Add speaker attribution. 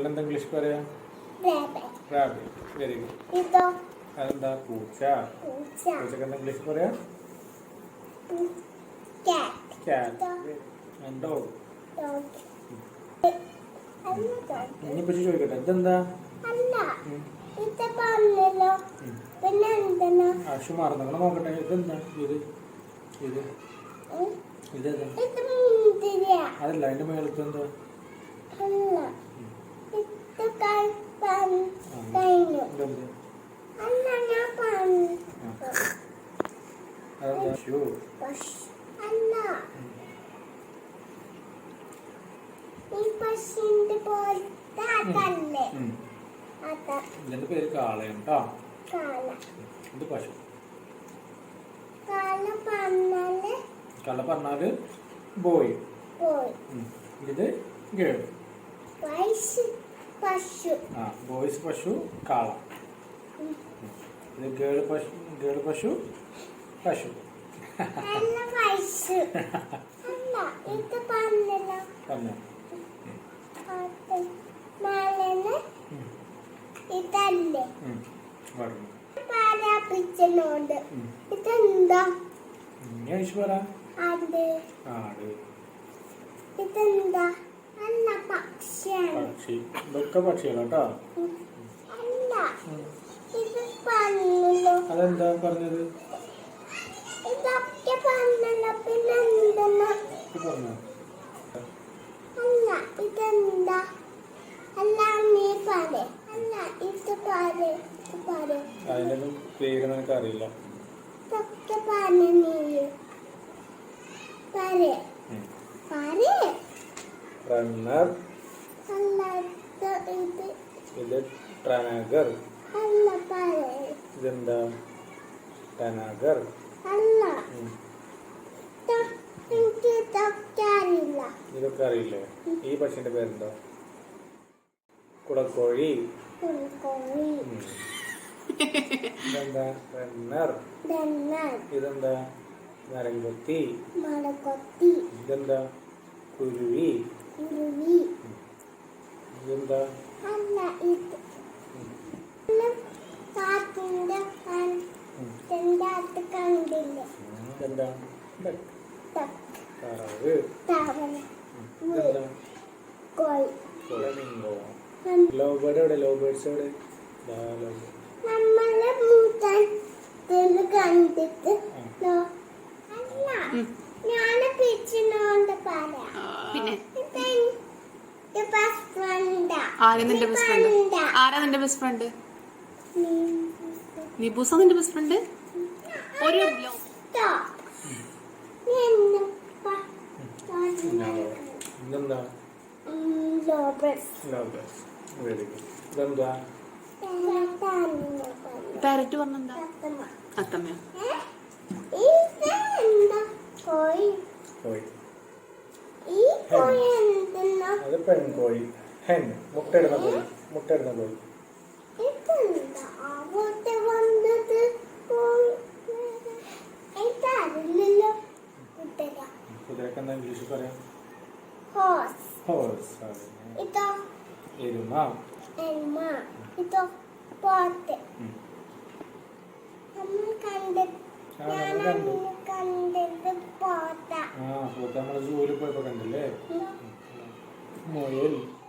Speaker 1: എന്താ ഇംഗ്ലീഷ് പറയാ? Rabbit. Very good. അതെന്താ? പൂച്ച. പൂച്ചക്ക് എന്താ ഇംഗ്ലീഷ് പറയാ? ക്യാറ്റ്. ഡോഗ്. ഇനിയിപ്പോ ചോദിക്കട്ടെ, ഇതെന്താ? ആശു മാറുന്ന നോക്കട്ടെ, ഇതെന്താ? ഇതെന്താ? അതല്ല, അതിന്റെ മേളത്ത് എന്താ? ഇതിന്റെ പേര് കാളയാണ് കേട്ടോ. ഇത് പശു. കാള പറഞ്ഞാല് ബോയ്. ഇത് ഗേൾ. ബോയ്സ് പശു, കാള. ഇത് ഗേൾ പശു, പശു.
Speaker 2: ഇതെന്താ? ഇതെന്താ?
Speaker 1: പക്ഷി. ഇതൊക്കെ പക്ഷികളാട്ടോ. അതെന്താ പറഞ്ഞത്?
Speaker 2: ഇതൊക്കെ പറഞ്ഞല്ലോ. പിന്നെ എന്തെന്നാ? അല്ല, ഇതെന്താ? അല്ല, നീ പറ. അല്ല, ഇത് പറ.
Speaker 1: അതിന്റെ പേര് നിനക്ക് അറിയില്ല.
Speaker 2: ഇതൊക്കെ പറഞ്ഞ നീ പറ.
Speaker 1: റണ്ണർ.
Speaker 2: അല്ല,
Speaker 1: ഇത് ട്രാനഗർ.
Speaker 2: അല്ല, പറ.
Speaker 1: ഇതെന്താ? ട്രാനഗർ.
Speaker 2: അല്ല, എനിക്ക് ഇതൊക്കെ അറിയില്ല.
Speaker 1: ഇതൊക്കെ അറിയില്ലേ? ഈ പക്ഷിന്റെ പേരെന്താ? കുടക്കോഴി. ഇതെന്താ? റണ്ണർ. ഇതെന്താ? മരംകൊത്തി. ഇതെന്താ? കുരുവി. ഇതെന്താ?
Speaker 2: അല്ല, ഇത് കാറ്റിന്റെ കണ്ടില്ലേ?
Speaker 1: ഇതെന്താ? താറാവ്. ഇതെന്താ? ഫ്ലമിംഗോ. ലവ് ബേർഡ് എവിടെ? ലവ് ബേർഡ്സ് എവിടെ?
Speaker 2: നമ്മളെ കണ്ടിട്ട് ഞാൻ പിച്ചിനോണ്ട് പറയാം.
Speaker 3: ആരാ നിന്റെ ബെസ്റ്റ് ഫ്രണ്ട്? നിബൂസ നിന്റെ ബെസ്റ്റ് ഫ്രണ്ട്? ഒരു
Speaker 1: ഇതെന്താ? ഇതെന്താ?
Speaker 3: പാരറ്റ് പറഞ്ഞെന്താ? അത്തമ്മ.
Speaker 1: അത് പെൺകോഴി. ഹെൻ. മുട്ടയിടുന്ന കോഴി. കുതിരക്ക് എന്താ ഇംഗ്ലീഷിൽ പറയാം? ഹോഴ്സ്. എരുമ.
Speaker 2: ഇതോ പോത്ത്. കണ്ടത് പോത്ത.
Speaker 1: പോത്ത് നമ്മള് സൂര്യ പോയപ്പോ കണ്ടില്ലേ? മുയൽ.